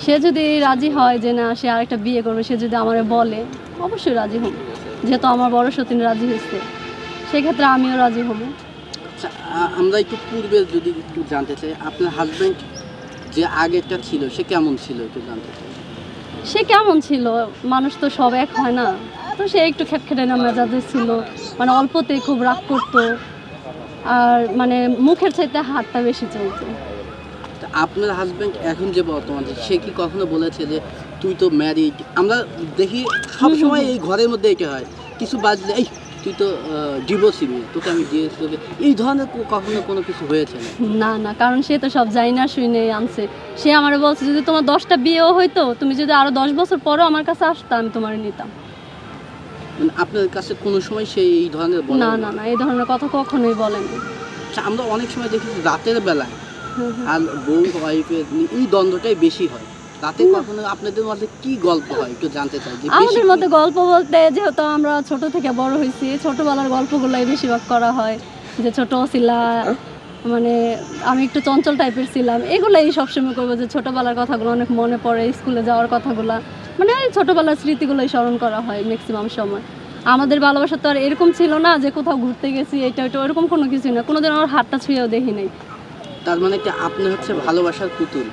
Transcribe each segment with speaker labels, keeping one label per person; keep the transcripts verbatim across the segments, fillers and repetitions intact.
Speaker 1: সে যদি রাজি হয় যে না সে আরেকটা বিয়ে করবে, সে যদি আমারে বলে, অবশ্যই রাজি হব। যেহেতু আমার বড় সতীন রাজি হয়েছে, সেক্ষেত্রে আমিও রাজি হব।
Speaker 2: আচ্ছা, আ- আমরা একটু পূর্বে যদি একটু জানতে চাই, আপনার হাজব্যান্ড যে আগেরটা ছিল সে কেমন ছিল একটু জানতে চাই।
Speaker 1: সে কেমন ছিল, মানুষ তো সব এক হয় না, তো সে একটু খ্যাটখ্যাটে না মেজাজে ছিল, মানে অল্পতেই খুব রাগ করতো, আর মানে মুখের চাইতে হাতটা বেশি চলতো।
Speaker 2: তা আপনার হাজব্যান্ড এখন যে বর্তমান যে, সে কি কখনো বলেছে যে তুই তো ম্যারিড? আমরা দেখি সব সময় এই ঘরের মধ্যে এটা হয়, কিছু বাজলে এই তুই তো ডিভোর্সি মেয়ে, তোকে আমি ডিভোর্স করবে, এই ধরনের কো- কখনো কোনো কিছু হয়েছে না?
Speaker 1: না না, কারণ সে তো সব জানি না শুনে আনছে। সে আমারে বলছে যদি তোমার দশটা বিয়েও হইতো, তুমি যদি আরো দশ বছর পরও আমার কাছে আসতো, আমি তোমার নিতাম।
Speaker 2: মানে আপনার কাছে কোনো সময় সেই এই ধরনের বলে
Speaker 1: না না না, এই ধরনের কথা কখনোই বলেনি।
Speaker 2: আচ্ছা, আমরা অনেক সময় দেখি যে রাতের বেলায়
Speaker 1: হুম হুম।
Speaker 2: আর বউ ওয়াইফের এই দ্বন্দ্বটাই বেশি হয়। রাতে কখনো আপনাদের মধ্যে কি গল্প হয় একটু জানতে চাই যে বেশি
Speaker 1: আমাদের
Speaker 2: কি-
Speaker 1: মধ্যে গল্প বলতে, যেহেতু আমরা ছোট থেকে বড় হয়েছি, ছোটবেলার গল্পগুলাই বেশিরভাগ করা হয়। যে ছোট ছিলা, মানে আমি একটু চঞ্চল টাইপের ছিলাম, এগুলাই সবসময় করবো। যে ছোটবেলার কথাগুলো অনেক মনে পড়ে, স্কুলে যাওয়ার কথাগুলো, মানে এই ছোটবেলার স্মৃতিগুলোই স্মরণ করা হয় ম্যাক্সিমাম সময়। আমাদের ভালোবাসা তো আর এরকম ছিল না যে কোথাও ঘুরতে গেছি এটা ওইটা, ওরকম কোনো কিছু না, কোনোদিন আমার হাতটা ছুঁয়েও দেখি নাই।
Speaker 2: তার মানে কি আপনি হচ্ছে ভালোবাসার পুতুল?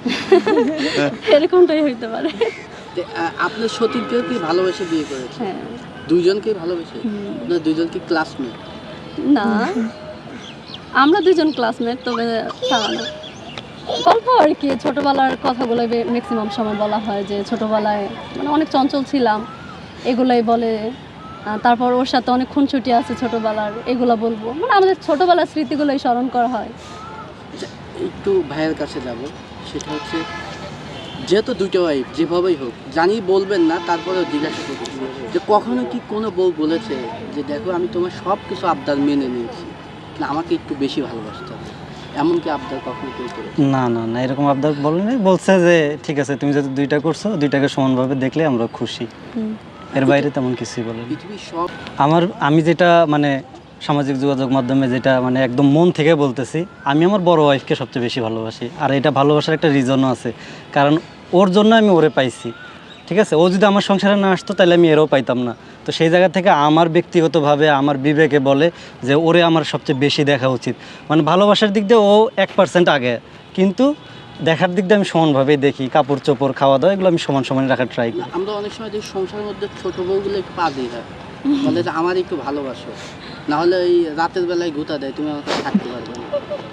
Speaker 1: এরকমটাই হইতে পারে।
Speaker 2: যে, আহ, আপনার সতীর্থকেও কি ভালোবেসে বিয়ে করেছে?
Speaker 1: হ্যাঁ।
Speaker 2: দুইজনকেই ভালোবেসে?
Speaker 1: হুম।
Speaker 2: আপনার দুইজন কি ক্লাসমেট?
Speaker 1: না, আমরা দুজন ক্লাসমেট, তবে তারা না। গল্প আর কি, ছোটবেলার কথাগুলো ম্যাক্সিমাম সময় বলা হয়। যে ছোটবেলায় মানে অনেক চঞ্চল ছিলাম, এগুলাই বলে। আহ, তারপর ওর সাথে অনেক খুনসুটি আছে ছোটবেলার, এগুলা বলবো। মানে আমাদের ছোটবেলার স্মৃতিগুলোই স্মরণ করা হয়।
Speaker 2: আচ্ছা, একটু ভাইয়ের কাছে যাব। সেটা হচ্ছে যেহেতু দুটো ওয়াইফ যেভাবেই হোক, জানি বলবেন না, তারপরেও জিজ্ঞাসা করছি যে কখনো কি কোনো বউ বলেছে যে দেখো আমি তোমার সব কিছু আবদার মেনে নিয়েছি, না আমাকে একটু বেশি ভালোবাসতে হবে, এমন কি আবদার কখনো কেউ করেছে?
Speaker 3: না না না, এরকম আবদার বলেনি। বলছে যে ঠিক আছে, তুমি যদি দুইটা করছো, দুইটাকে সমানভাবে দেখলে আমরা খুশি। এর বাইরে তেমন কিছুই বলেনি।
Speaker 2: পৃথিবীর সব
Speaker 3: আমার আমি যেটা মানে সামাজিক যোগাযোগ মাধ্যমে যেটা মানে একদম মন থেকে বলতেছি, আমি আমার বড় ওয়াইফকে সবচেয়ে বেশি ভালোবাসি। আর এটা ভালোবাসার একটা রিজনও আছে, কারণ ওর জন্য আমি ওরে পাইছি। ঠিক আছে, ও যদি আমার সংসারে না আসতো তাহলে আমি এরও পাইতাম না। তো সেই জায়গা থেকে আমার ব্যক্তিগতভাবে আমার বিবেকে বলে যে ওরে আমার সবচেয়ে বেশি দেখা উচিত। মানে ভালোবাসার দিক দিয়ে ও এক পার্সেন্ট আগে, কিন্তু দেখার দিক দিয়ে আমি সমানভাবেই দেখি। কাপড় চোপড়, খাওয়া দাওয়া, এগুলো আমি সমান সমান রাখার ট্রাই করি।
Speaker 2: আমরা অনেক সময় যে সংসারের মধ্যে ছোট বউগুলো একটু পা দিয়ে হয়, বলে যে আমার একটু ভালোবাসো, না হলে ওই রাতের বেলায় ঘুতা দেয়, তুমি আমাকে থাকতে পারবে না।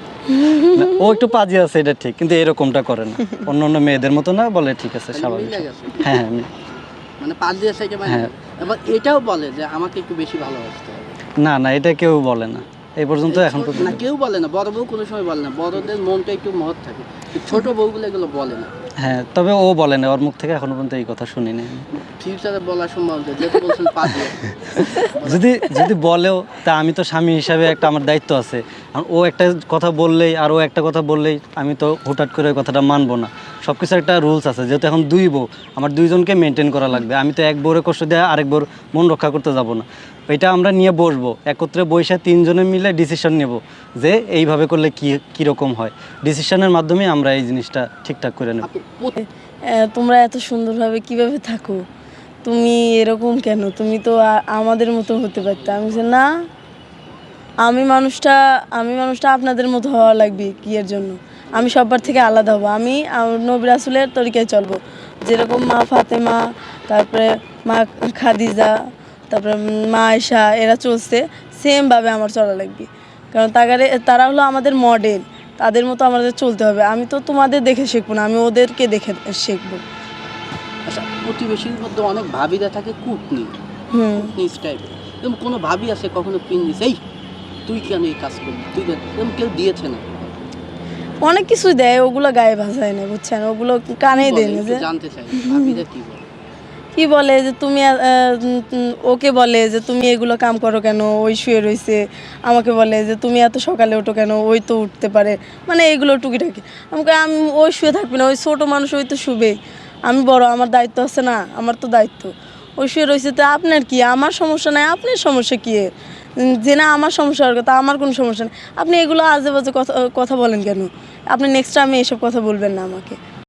Speaker 3: না, ও একটু পাজি আছে এটা ঠিক, কিন্তু এরকমটা করে না। অন্য অন্য মেয়েদের মতো না, বলে ঠিক আছে,
Speaker 2: তাহলে
Speaker 3: স্বাভাবিক।
Speaker 2: মিলে গেছে।
Speaker 3: হ্যাঁ হ্যাঁ আমি-
Speaker 2: মানে পা দিয়ে থেকে মানে
Speaker 3: হ্যাঁ।
Speaker 2: এবার এটাও বলে যে আমাকে একটু বেশি ভালোবাসতে হবে।
Speaker 3: না না, এটা কেউ বলে না এই পর্যন্ত, এখন
Speaker 2: ছোট-
Speaker 3: পর্যন্ত।
Speaker 2: না কেউ বলে না, বড় বউ কোনো সময় বলে না, বড়দের মনটা একটু মহৎ থাকে, ছোট বউগুলো এগুলো বলে না।
Speaker 3: হ্যাঁ, তবে ও বলে না, ওর মুখ থেকে এখনো পর্যন্ত এই কথা শুনিনি।
Speaker 2: ফিউচারে বলার সম্ভব আছে, যেহেতু বলছেন পা দিয়ে।
Speaker 3: যদি যদি বলেও, তা আমি তো স্বামী হিসাবে একটা আমার দায়িত্ব আছে। আর ও একটা কথা বললেই আর ও একটা কথা বললেই আমি তো হুটহাট করে ওই কথাটা মানবো না। সব কিছু একটা রুলস আছে, যেহেতু এখন দুই বউ, আমার দুইজনকে মেনটেন করা লাগবে। আমি তো এক বউরে কষ্ট দেওয়া আরেক বউর মন রক্ষা করতে যাব না। এটা আমরা নিয়ে বসবো, একত্রে বসে তিনজনে মিলে ডিসিশন নেব যে এইভাবে করলে কী কীরকম হয়। ডিসিশনের মাধ্যমে আমরা এই জিনিসটা ঠিকঠাক করে নেব।
Speaker 2: আপু, প্রতি-
Speaker 4: আহ, তোমরা এত সুন্দরভাবে কিভাবে থাকো, তুমি এরকম কেন, তুমি তো আ- আমাদের মতো হতে পারতে। আমি বলছি, না, আমি মানুষটা আমি মানুষটা আপনাদের মতো হওয়া লাগবে কি এর জন্য। আমি সবার থেকে আলাদা হব, আমি আমার নবী রাসূলের তরিকায় চলবো। যেরকম মা ফাতেমা, তারপরে মা খাদিজা, তারপরে মা আয়েশা, এরা চলছে, সেমভাবে আমার চলা লাগবে। কারণ তাগারে তারা হলো আমাদের মডেল, তাদের মতো আমাদের চলতে হবে। আমি তো তোমাদের দেখে শিখবো না, আমি ওদেরকে দেখে শিখবো।
Speaker 2: আচ্ছা, প্রতিবেশীর মধ্যে অনেক ভাবিরা থাকে কুটনি
Speaker 4: হুম
Speaker 2: কুটনিস টাইপের, এরকম কোনো ভাবি আছে কখনো পিন দিছে এই তুই কেন এই কাজ করবি, তুই কেন, এরকম কেউ দিয়েছে না?
Speaker 4: অনেক কিছু দেয়, ওগুলো গায়ে ভাসায় না, বুঝছেন, ওগুলো কানেই
Speaker 2: কি
Speaker 4: দেয়
Speaker 2: বলে?
Speaker 4: না।
Speaker 2: একটু
Speaker 4: যে
Speaker 2: জানতে চাই ভাবিরা কি বলে।
Speaker 4: কি বলে যে তুমি আহ, উম, উম, ওকে বলে যে তুমি এগুলো কাম করো কেন, ওই শুয়ে রয়েছে। আমাকে বলে যে তুমি এত সকালে ওঠো কেন, ওই তো উঠতে পারে, মানে এগুলো টুকিটাকি। আমাকে আমি ওই শুয়ে থাকবি না, ওই ছোটো মানুষ, ওই তো শুবে, আমি বড়, আমার দায়িত্ব আছে না, আমার তো দায়িত্ব। ওই শুয়ে রয়েছে, তো আপনার কি, আমার সমস্যা নাই, আপনার সমস্যা কী? উম, যে না আমার সমস্যা হওয়ার কথা, আমার কোনো সমস্যা নেই। আপনি এগুলো আজে বাজে কথা কথা বলেন কেন? আপনি নেক্সট টাইমে এসব কথা বলবেন না আমাকে।